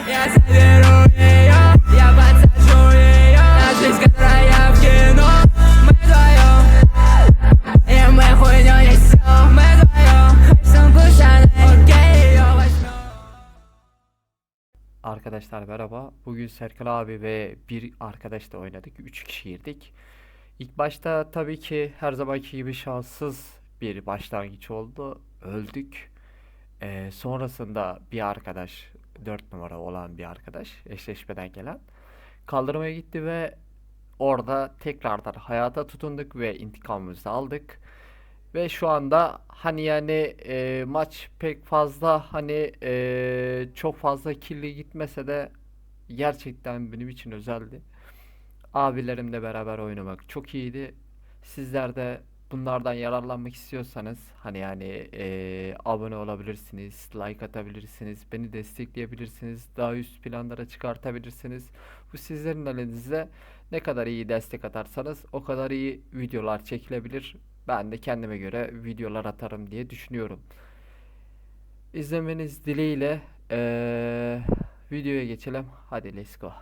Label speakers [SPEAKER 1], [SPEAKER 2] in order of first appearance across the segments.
[SPEAKER 1] Я заберу ее, я подсажу ее. Наша жизнь, которая в кино. Мы вдвоем, и мы хуйню несем. Мы вдвоем, сумку Шанель, окей, ее возьмем.
[SPEAKER 2] Arkadaşlar merhaba. Bugün Serkan abi ve bir arkadaşla oynadık. 3 kişiydik. İlk başta tabii ki her zamanki gibi şanssız bir başlangıç oldu. Öldük. Sonrasında bir arkadaş, 4 numara olan bir arkadaş, eşleşmeden gelen kaldırmaya gitti ve orada tekrardan hayata tutunduk ve intikamımızı aldık. Ve şu anda hani yani maç pek fazla hani çok fazla kirli gitmese de gerçekten benim için özeldi. Abilerimle beraber oynamak çok iyiydi. Sizler de bunlardan yararlanmak istiyorsanız hani yani abone olabilirsiniz, like atabilirsiniz, beni destekleyebilirsiniz, daha üst planlara çıkartabilirsiniz. Bu sizlerin elinizde. Ne kadar iyi destek atarsanız o kadar iyi videolar çekilebilir. Ben de kendime göre videolar atarım diye düşünüyorum. İzlemeniz dileğiyle videoya geçelim. Hadi let's go.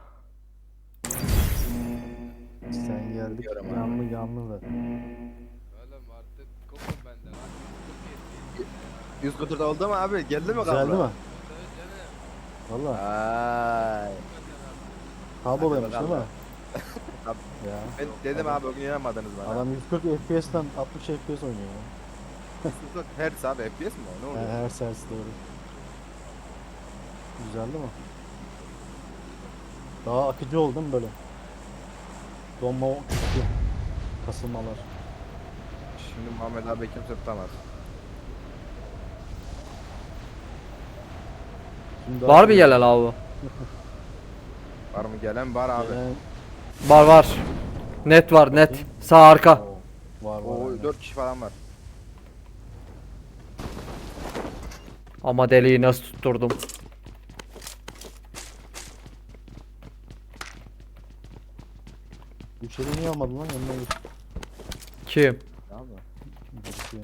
[SPEAKER 3] Sen geldik
[SPEAKER 4] Diyorum abi.
[SPEAKER 3] yanlı da.
[SPEAKER 5] Oğlum artık kopun benden artık çok iyi.
[SPEAKER 4] 100 kuturda oldu mu abi? Geldi mi
[SPEAKER 3] Güzeldi
[SPEAKER 4] kablo?
[SPEAKER 3] mi?
[SPEAKER 5] Tabii canım.
[SPEAKER 3] Valla
[SPEAKER 4] Ay.
[SPEAKER 3] kabloluymuş değil mi?
[SPEAKER 4] Tabii.
[SPEAKER 3] Ya.
[SPEAKER 4] Ben dedim abi bugün inanmadınız bana.
[SPEAKER 3] Adam 140 FPS'ten 60 FPS oynuyor ya.
[SPEAKER 4] Hertz abi FPS mi o? Ne oluyor?
[SPEAKER 3] Her sersi doğru. Güzeldi mi? Daha akıcı oldu değil mi böyle? Donma küçük kasılmalar.
[SPEAKER 4] Şimdi Muhammed abi kimse tutamaz.
[SPEAKER 3] Şimdi
[SPEAKER 2] Var mı gelen abi?
[SPEAKER 4] Var mı gelen? Var abi.
[SPEAKER 2] Var var. Net var net. Sağ arka.
[SPEAKER 3] Var
[SPEAKER 4] O
[SPEAKER 3] aynen.
[SPEAKER 4] 4 kişi falan var.
[SPEAKER 2] Ama deliği nasıl tutturdum.
[SPEAKER 3] Üçeri niye almadın lan yanına git.
[SPEAKER 2] Kim?
[SPEAKER 4] Tamam mı?
[SPEAKER 3] Birisi.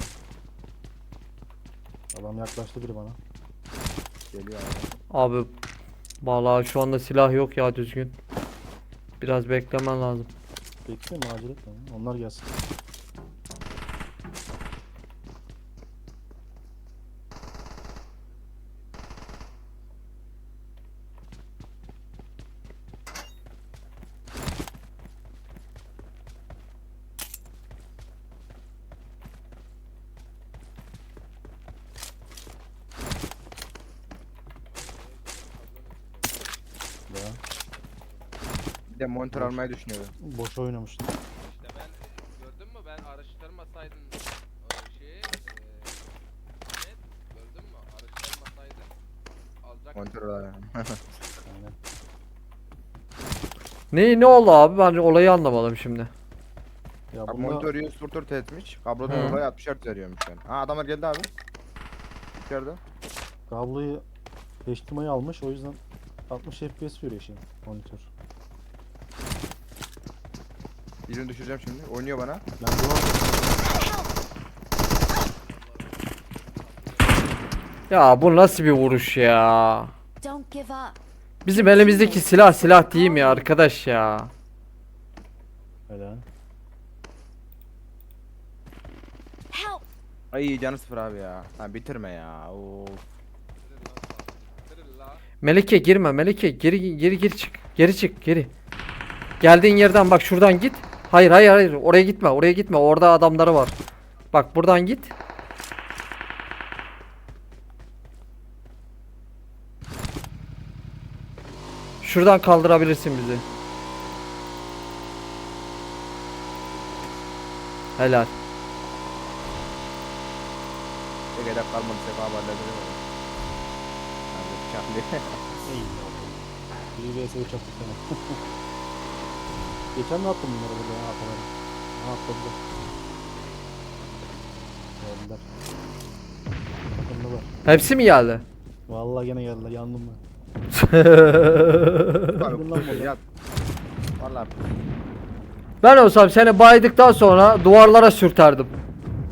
[SPEAKER 3] Adam yaklaştı biri bana.
[SPEAKER 4] Geliyor abi.
[SPEAKER 2] Abi vallahi şu anda silah yok ya düzgün. Biraz beklemen lazım.
[SPEAKER 3] Bekliyorum acele etme. Onlar gelsin. Ya
[SPEAKER 4] Bir de monitör almayı düşünüyorum.
[SPEAKER 3] boş oynamıştım.
[SPEAKER 5] İşte ben gördün mü ben araştırmasaydım o şeyi net gördün mü araştırmasaydım alacak.
[SPEAKER 4] Monitör alayım.
[SPEAKER 3] Aynen.
[SPEAKER 2] Ne oldu abi? Ben olayı anlamadım şimdi.
[SPEAKER 3] Ya
[SPEAKER 4] Abi
[SPEAKER 3] bunda
[SPEAKER 4] monitör 100 turtur etmiş. Kablodan
[SPEAKER 2] Hı.
[SPEAKER 4] dolayı 60 Hz veriyormuş yani. Ha adamlar geldi abi. İçeride.
[SPEAKER 3] kabloyu HDMI almış o yüzden 60 FPS veriyor şimdi monitör.
[SPEAKER 4] Birini düşüreceğim şimdi. Oynuyor bana.
[SPEAKER 3] Ben duvar
[SPEAKER 2] Ya bu nasıl bir vuruş ya?
[SPEAKER 6] Don't give up.
[SPEAKER 2] Bizim elimizdeki silah değil mi ya arkadaş ya?
[SPEAKER 3] öyle.
[SPEAKER 6] Help!
[SPEAKER 4] Ay canı sıfır abi ya. Ha bitirme ya. Oo.
[SPEAKER 5] Bitirin la.
[SPEAKER 2] Melike girme Melike geri çık. Geri çık geri. Geldiğin yerden bak şuradan git. Hayır oraya gitme orada adamları var. Bak buradan git. Şuradan kaldırabilirsin bizi. Helal.
[SPEAKER 4] Ne kadar kalmadı sefa haberleri var. Hadi bıçaklı.
[SPEAKER 3] İyi. Bir vs 3 attık sana. Geçen de attım bunları burada ya ataları. Ha atladılar. Geldiler. Takımlılar.
[SPEAKER 2] Hepsi mi geldi?
[SPEAKER 3] Vallahi gene geldiler yandım ben.
[SPEAKER 4] Abi kusur yat. Vallahi
[SPEAKER 2] Ben olsam seni baydıktan sonra duvarlara sürterdim.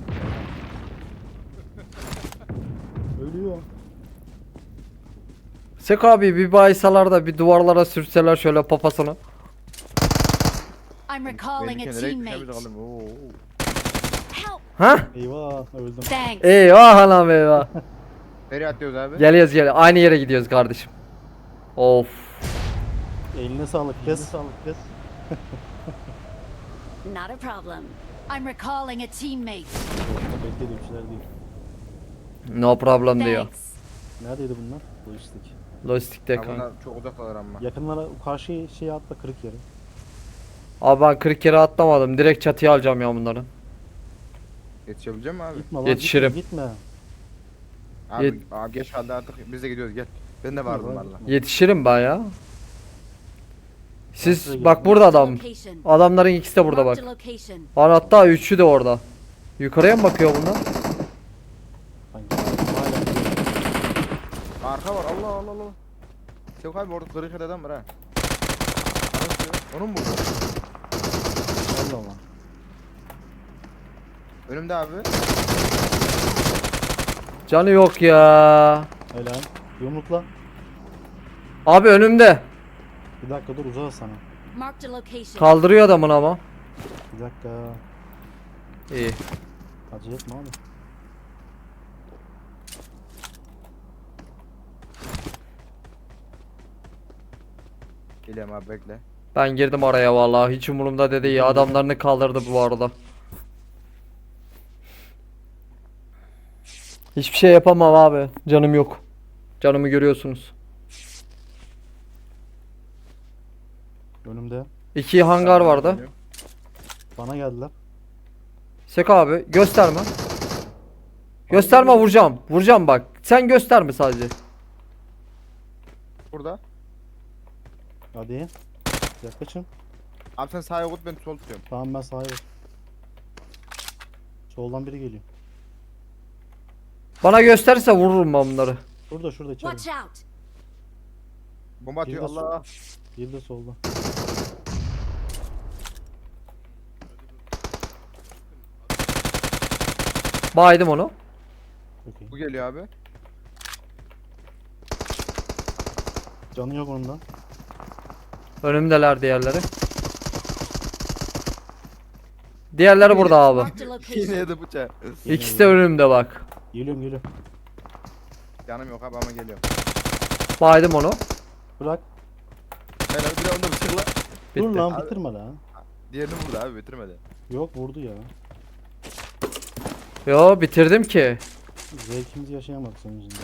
[SPEAKER 3] Ölüyor.
[SPEAKER 2] Sek abi bir baysalar da bir duvarlara sürseler şöyle papasını.
[SPEAKER 6] I'm recalling a
[SPEAKER 4] Benimki nereye
[SPEAKER 6] teammate.
[SPEAKER 4] gitmiş oğlum? Oo.
[SPEAKER 6] Help!
[SPEAKER 2] Ha?
[SPEAKER 3] Eyvah öldüm.
[SPEAKER 6] Thanks.
[SPEAKER 2] Eyvah anam eyvah.
[SPEAKER 4] Nereye atlıyoruz abi?
[SPEAKER 2] Geliyoruz aynı yere gidiyoruz kardeşim. Of.
[SPEAKER 3] Eline sağlık kız.
[SPEAKER 6] Not a problem. I'm recalling a teammate.
[SPEAKER 3] Beklediğim şeyler değil.
[SPEAKER 2] No problem diyor.
[SPEAKER 6] Thanks.
[SPEAKER 3] Neredeydi bunlar? Lojistik.
[SPEAKER 2] Lojistikte
[SPEAKER 4] Ha,
[SPEAKER 2] kanka.
[SPEAKER 4] bunlar çok uzaktalar ama.
[SPEAKER 3] Yakınlara karşı şeye atla kırık yere.
[SPEAKER 2] Abi ben 40 kere atlamadım. Direkt çatıya alacağım ya bunları.
[SPEAKER 4] Yetişebilecek mi abi?
[SPEAKER 3] Gitme lan
[SPEAKER 2] Yetişirim.
[SPEAKER 3] gitme.
[SPEAKER 4] Abi,
[SPEAKER 2] Yet-
[SPEAKER 4] abi geç kaldı artık. Biz de gidiyoruz gel. Ben de vardım valla.
[SPEAKER 2] Yetişirim ben ya.
[SPEAKER 3] Nasıl
[SPEAKER 2] Siz bak burada
[SPEAKER 6] Marked a
[SPEAKER 2] adam.
[SPEAKER 6] location.
[SPEAKER 2] Adamların ikisi de burada bak.
[SPEAKER 6] Marked a location.
[SPEAKER 2] Lan hatta üçü de orada. Yukarıya mı bakıyor bunlar?
[SPEAKER 3] Sanki hala gidiyor.
[SPEAKER 4] Arka var Allah Allah Allah. Yok abi orada kırık eden adam var ha. Anasını- Onun mu?
[SPEAKER 3] Allah Allah.
[SPEAKER 4] Önümde abi.
[SPEAKER 2] Canı yok ya.
[SPEAKER 3] Helal. Yumrukla.
[SPEAKER 2] Abi önümde.
[SPEAKER 3] Bir dakika dur uzağa sana.
[SPEAKER 6] Marked a location.
[SPEAKER 2] Kaldırıyor adamın ama.
[SPEAKER 3] Bir dakika.
[SPEAKER 2] İyi.
[SPEAKER 3] Acele etme abi.
[SPEAKER 4] Geliyorum abi bekle.
[SPEAKER 2] Ben girdim araya vallahi. Hiç umurumda dedi ya. Adamlarını kaldırdı bu arada. Hiçbir şey yapamam abi. Canım yok. Canımı görüyorsunuz.
[SPEAKER 3] Önümde.
[SPEAKER 2] 2 hangar vardı.
[SPEAKER 3] Bana geldiler.
[SPEAKER 2] Sek abi gösterme. Gösterme vuracağım. Vuracağım bak. Sen gösterme sadece.
[SPEAKER 4] Burada.
[SPEAKER 3] Hadi. Yaklaşın.
[SPEAKER 4] Abi sen sağa kut ben sol tutuyorum.
[SPEAKER 3] Tamam ben sağa bak. Soldan biri geliyor.
[SPEAKER 2] Bana gösterirse vururum ben bunları.
[SPEAKER 3] Şurada içeride.
[SPEAKER 6] Watch out.
[SPEAKER 4] Bomba atıyor
[SPEAKER 3] Bir de
[SPEAKER 4] Allah.
[SPEAKER 3] Bir de solda.
[SPEAKER 2] Baydım onu.
[SPEAKER 3] Okey.
[SPEAKER 4] Bu geliyor abi.
[SPEAKER 3] Canı yok onun da.
[SPEAKER 2] Önümdeler diğerleri. Diğerleri burada abi.
[SPEAKER 6] Marked a
[SPEAKER 4] Yine
[SPEAKER 6] location.
[SPEAKER 4] yedi bıçağı.
[SPEAKER 2] İkisi de önümde bak.
[SPEAKER 3] Geliyorum.
[SPEAKER 4] Canım yok abi ama geliyorum.
[SPEAKER 2] Baydım onu.
[SPEAKER 3] Bırak.
[SPEAKER 4] Ben abi bir de onda bıçakla.
[SPEAKER 3] Dur
[SPEAKER 2] Bitti.
[SPEAKER 3] lan
[SPEAKER 4] Abi.
[SPEAKER 3] bitirme lan.
[SPEAKER 4] Diğerini vurdu abi bitirmedi.
[SPEAKER 3] Yok vurdu ya.
[SPEAKER 2] Yo bitirdim ki.
[SPEAKER 3] Zevkimizi yaşayamadık senin yüzünden.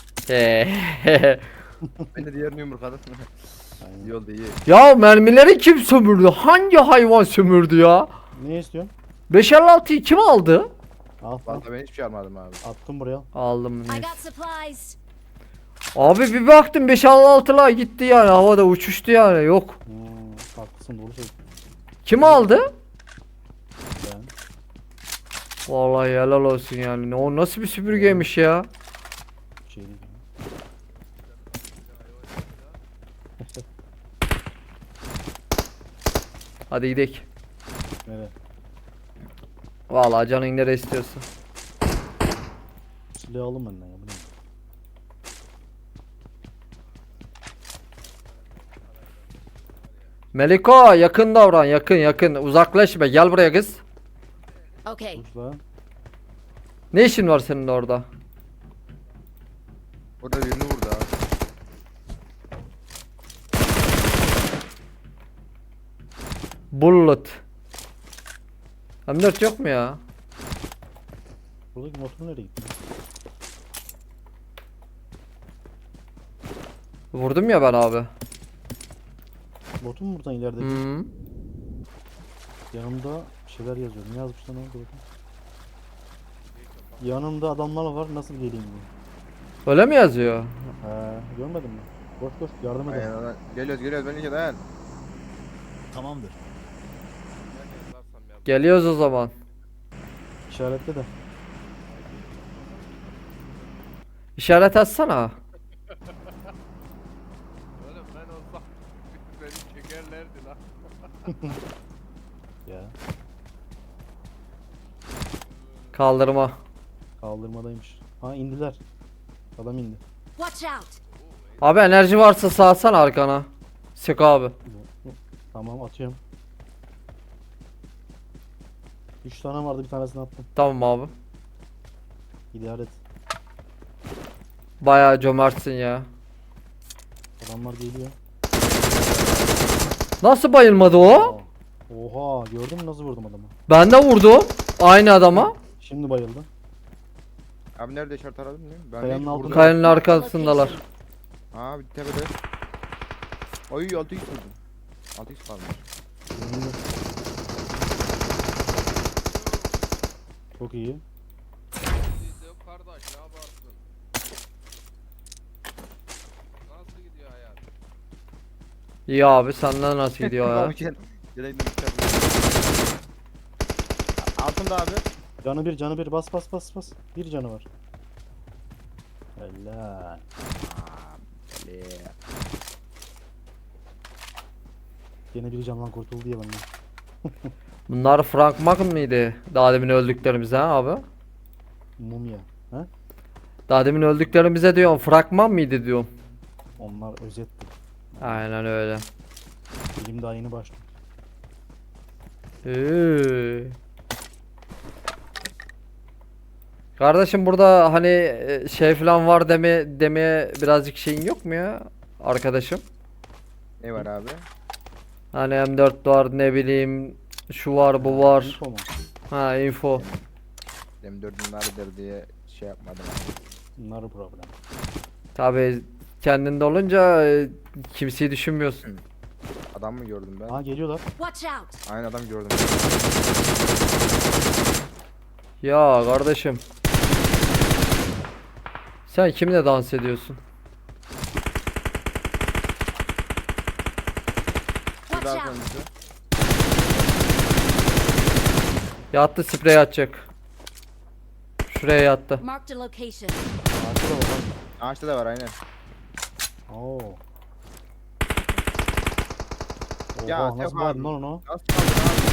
[SPEAKER 4] Ben de diğerini yumrukladım.
[SPEAKER 3] Aynen.
[SPEAKER 4] İyi oldu iyi.
[SPEAKER 2] Ya mermileri kim sömürdü? Hangi hayvan sömürdü ya?
[SPEAKER 3] Ne istiyorsun?
[SPEAKER 2] 556'yı kim aldı?
[SPEAKER 3] Al al.
[SPEAKER 4] Vallahi ben hiçbir şey almadım abi.
[SPEAKER 3] Attım buraya.
[SPEAKER 2] Aldım.
[SPEAKER 6] I
[SPEAKER 2] neyse.
[SPEAKER 6] got supplies.
[SPEAKER 2] Abi bir baktım 556'lar gitti yani havada uçuştu yani yok.
[SPEAKER 3] Haklısın doğru söylüyorsun.
[SPEAKER 2] Kim aldı?
[SPEAKER 3] Ben.
[SPEAKER 2] Vallahi helal olsun yani. O nasıl bir süpürgeymiş ya?
[SPEAKER 3] Bir şey değil.
[SPEAKER 2] Hadi gidelim.
[SPEAKER 3] Nereye?
[SPEAKER 2] Vallahi canın nereye istiyorsun.
[SPEAKER 3] Silahı alın benden ya. Bu ne?
[SPEAKER 2] Meliko yakın davran yakın uzaklaşma gel buraya kız.
[SPEAKER 6] Okay.
[SPEAKER 3] Dur lan.
[SPEAKER 2] Ne işin var senin orada?
[SPEAKER 4] Orada birini vurdu abi.
[SPEAKER 2] Bullet. M4 yok mu ya?
[SPEAKER 3] Buradaki motor nereye gitti?
[SPEAKER 2] Vurdum ya ben abi.
[SPEAKER 3] Botu mu buradan ilerideki?
[SPEAKER 2] Hı.
[SPEAKER 3] Yanımda bir şeyler yazıyor. Ne yazmış lan orada bakayım. Yanımda adamlar var nasıl geleyim diyor.
[SPEAKER 2] Öyle mi yazıyor?
[SPEAKER 3] Görmedin mi? Koş koş yardım
[SPEAKER 4] Aynen
[SPEAKER 3] edelim.
[SPEAKER 4] lan. Geliyoruz ben iki dayan.
[SPEAKER 3] Tamamdır.
[SPEAKER 5] Ben yazarsam ya.
[SPEAKER 2] Geliyoruz o zaman.
[SPEAKER 3] İşaretle de.
[SPEAKER 2] İşaret atsana.
[SPEAKER 5] Oğlum ben olsam beni çekerlerdi lan.
[SPEAKER 3] Ya
[SPEAKER 2] Kaldırma.
[SPEAKER 3] kaldırmadaymış. Ha indiler. Adam indi.
[SPEAKER 6] Watch out.
[SPEAKER 2] Abi enerji varsa sağsana arkana. Sık abi.
[SPEAKER 3] Tamam atıyorum. 3 tane vardı, bir tanesini attım.
[SPEAKER 2] Tamam abi.
[SPEAKER 3] İdare et.
[SPEAKER 2] Bayağı cömertsin ya.
[SPEAKER 3] Adamlar geliyor.
[SPEAKER 2] Nasıl bayılmadı o?
[SPEAKER 3] Aa, oha, gördün mü nasıl vurdum adamı?
[SPEAKER 2] Ben de vurdum. Aynı adama.
[SPEAKER 3] Şimdi bayıldı.
[SPEAKER 4] Abi nerede işaret aradım değil mi? Ben
[SPEAKER 3] Kayanın
[SPEAKER 4] hiç
[SPEAKER 3] altında.
[SPEAKER 4] vurdum.
[SPEAKER 2] Kayanın
[SPEAKER 6] Marked a
[SPEAKER 2] arkasındalar.
[SPEAKER 6] location.
[SPEAKER 4] Aa bir tepede. Oy 6x vurdum. 6x kalmış.
[SPEAKER 3] Önünde. Çok iyi.
[SPEAKER 5] Siz kardeş ne yaparsın? Nasıl gidiyor hayat?
[SPEAKER 2] İyi abi, senden nasıl gidiyor ya?
[SPEAKER 4] Abi gel. Altında abi.
[SPEAKER 3] Canı bir, bas. Bir canı var. Helal.
[SPEAKER 4] Böyle.
[SPEAKER 3] Yine bir candan kurtuldu ya benden.
[SPEAKER 2] Bunlar Frank Mac mıydı? Daha demin öldüklerimize ha abi?
[SPEAKER 3] Mumya. He?
[SPEAKER 2] Daha demin öldüklerimize diyorum. Fragman mıydı diyorum.
[SPEAKER 3] Onlar özetti.
[SPEAKER 2] Aynen öyle.
[SPEAKER 3] Film daha yeni başlıyor.
[SPEAKER 2] Kardeşim burada hani şey falan var demeye birazcık şeyin yok mu ya arkadaşım?
[SPEAKER 4] Ne var abi?
[SPEAKER 2] Hani M4 var, ne bileyim şu var bu var.
[SPEAKER 3] Info mu?
[SPEAKER 2] Ha, info.
[SPEAKER 4] Benim dördüm nerededir diye şey yapmadım.
[SPEAKER 3] Bunlar problem.
[SPEAKER 2] Tabi kendinde olunca kimseyi düşünmüyorsun.
[SPEAKER 4] Adam mı gördüm ben?
[SPEAKER 3] Ha, geliyorlar.
[SPEAKER 6] Watch out!
[SPEAKER 4] Aynı adam gördüm.
[SPEAKER 2] Ya kardeşim. Sen kimle dans ediyorsun?
[SPEAKER 6] Watch
[SPEAKER 4] Daha
[SPEAKER 6] out!
[SPEAKER 4] sonrası.
[SPEAKER 2] Yattı, sprey atacak. Şuraya yattı.
[SPEAKER 6] Marked a location.
[SPEAKER 3] Ağaçta da var.
[SPEAKER 4] Ağaçta da var aynen.
[SPEAKER 3] Oo.
[SPEAKER 4] Ya,
[SPEAKER 3] Oha, nasıl
[SPEAKER 4] Teo
[SPEAKER 3] bağırdın
[SPEAKER 4] abi.
[SPEAKER 3] lan onu?
[SPEAKER 4] Nasıl kaldın abi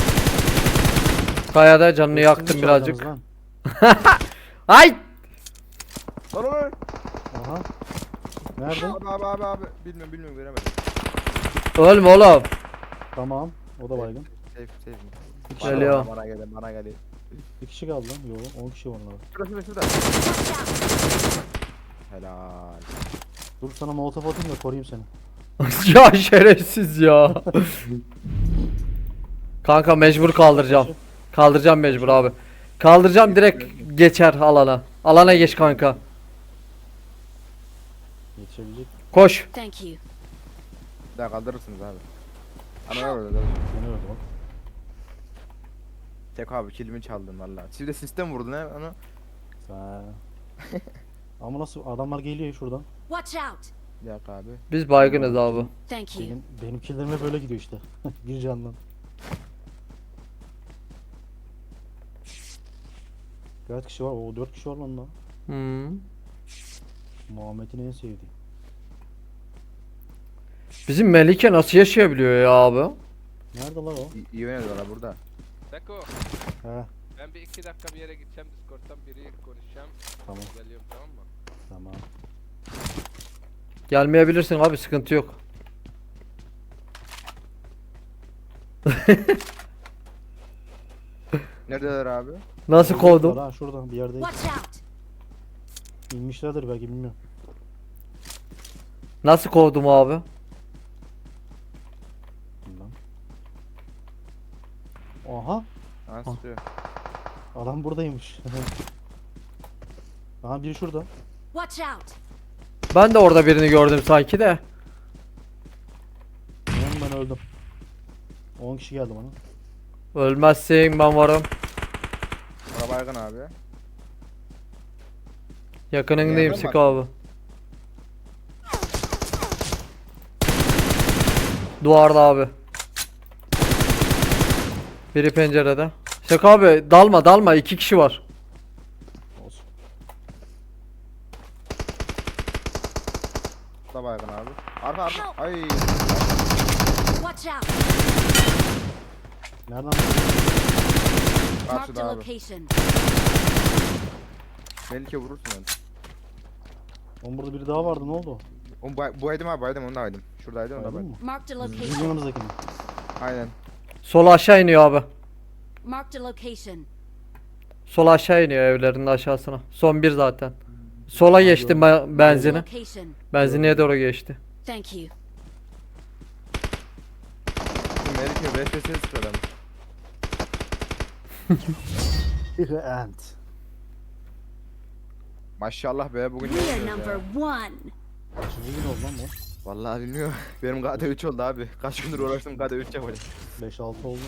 [SPEAKER 2] Kayada canını
[SPEAKER 3] Hepsini
[SPEAKER 2] yaktım
[SPEAKER 3] çaldınız
[SPEAKER 2] birazcık.
[SPEAKER 3] lan.
[SPEAKER 2] Ay!
[SPEAKER 4] ya? Lan lan.
[SPEAKER 3] Aha. Nerede?
[SPEAKER 4] Abi. Bilmiyorum göremedim.
[SPEAKER 2] Ölme oğlum.
[SPEAKER 3] Tamam. O da baygın.
[SPEAKER 4] Safe.
[SPEAKER 3] Bir kişi,
[SPEAKER 2] Geliyor.
[SPEAKER 4] Bana geliyor.
[SPEAKER 3] bir kişi kaldı lan. Yo, 10 kişi var orada.
[SPEAKER 4] Şurada.
[SPEAKER 6] Watch out!
[SPEAKER 4] Helal.
[SPEAKER 3] Dur sana molotof atayım da koruyayım seni.
[SPEAKER 2] Ya şerefsiz ya. Kanka mecbur kaldıracağım. Kaldıracağım mecbur abi. Kaldıracağım, direkt geçer alana. Alana geç kanka.
[SPEAKER 3] Yetişebilecek.
[SPEAKER 2] Koş.
[SPEAKER 6] Thank you.
[SPEAKER 4] Bir daha kaldırırsınız abi. Ana orada.
[SPEAKER 3] Beni öldü bak.
[SPEAKER 4] Tek abi kilimi çaldın valla. Siz de sistem vurdun he onu.
[SPEAKER 3] Sen. Ama nasıl adamlar geliyor şuradan.
[SPEAKER 6] Watch out!
[SPEAKER 4] Bir dakika abi.
[SPEAKER 2] Biz baygınız abi.
[SPEAKER 6] Thank you.
[SPEAKER 3] Benim killerime böyle gidiyor işte. Bir candan. Kaç kişi var? O 4 kişi var lan da.
[SPEAKER 2] Hmm.
[SPEAKER 3] Muhammed'in en sevdiği.
[SPEAKER 2] Bizim Melike nasıl yaşayabiliyor ya abi?
[SPEAKER 3] Nerede lan o?
[SPEAKER 4] İyi oynadılar burada.
[SPEAKER 5] Seko
[SPEAKER 3] He,
[SPEAKER 5] ben bir 2 dakika bir yere gideceğim, Discord'dan biri konuşacağım.
[SPEAKER 3] tamam
[SPEAKER 5] Geliyorum, tamam mı?
[SPEAKER 3] tamam.
[SPEAKER 2] Gelmeyebilirsin abi, sıkıntı yok.
[SPEAKER 4] Neredeler abi?
[SPEAKER 2] Nasıl kovdum?
[SPEAKER 3] Ha, şurada bir yerde
[SPEAKER 6] Watch out!
[SPEAKER 3] inmişlerdir belki, bilmiyorum.
[SPEAKER 2] Nasıl kovdum abi?
[SPEAKER 3] Bilmem. Aha,
[SPEAKER 4] Ha sıkıyor.
[SPEAKER 3] adam buradaymış. Aha, biri şurada.
[SPEAKER 6] Watch out!
[SPEAKER 2] Ben de orada birini gördüm sanki de.
[SPEAKER 3] Ben öldüm. 10 kişi geldi bana.
[SPEAKER 2] Ölmezsin, ben varım.
[SPEAKER 4] Bana baygın abi.
[SPEAKER 2] Yakınındayım,
[SPEAKER 4] Nereden
[SPEAKER 2] sık
[SPEAKER 4] var?
[SPEAKER 2] abi. Duvarda abi. Biri pencerede. Sık abi, dalma, 2 kişi var.
[SPEAKER 3] Olsun.
[SPEAKER 4] Bu da baygın abi. Arka. Ay.
[SPEAKER 6] Watch out!
[SPEAKER 3] Nereden?
[SPEAKER 6] Marked
[SPEAKER 4] Karşıda
[SPEAKER 6] a
[SPEAKER 4] abi.
[SPEAKER 6] location.
[SPEAKER 4] Melike vurursun onu.
[SPEAKER 3] Oğlum burada biri daha vardı, ne oldu?
[SPEAKER 4] Oğlum bu aydım abi baydım onu da aydım. Şuradaydı onu da
[SPEAKER 3] Aydın
[SPEAKER 4] baydım.
[SPEAKER 3] mı?
[SPEAKER 6] Marked a
[SPEAKER 3] Bizim
[SPEAKER 6] location.
[SPEAKER 3] yanımızdaki mi?
[SPEAKER 4] Aynen.
[SPEAKER 2] Sola aşağı iniyor abi.
[SPEAKER 6] Marked a location.
[SPEAKER 2] Sola aşağı iniyor evlerin aşağısına. Son bir zaten. Sola geçti benzini.
[SPEAKER 6] Location.
[SPEAKER 2] Benzinliğe doğru geçti.
[SPEAKER 6] Thank you.
[SPEAKER 4] Şimdi Melike 5 5 sıkıyor adam.
[SPEAKER 3] Bir ant.
[SPEAKER 4] Maşallah be bugün ne
[SPEAKER 6] We are
[SPEAKER 4] yapıyoruz
[SPEAKER 6] number
[SPEAKER 4] ya?
[SPEAKER 6] one.
[SPEAKER 3] Kaçıncı gün oldu lan bu?
[SPEAKER 4] Vallahi bilmiyorum. Benim KD 3 oldu abi. Kaç gündür uğraştım KD 3 yapacağım.
[SPEAKER 3] 5-6 oldu.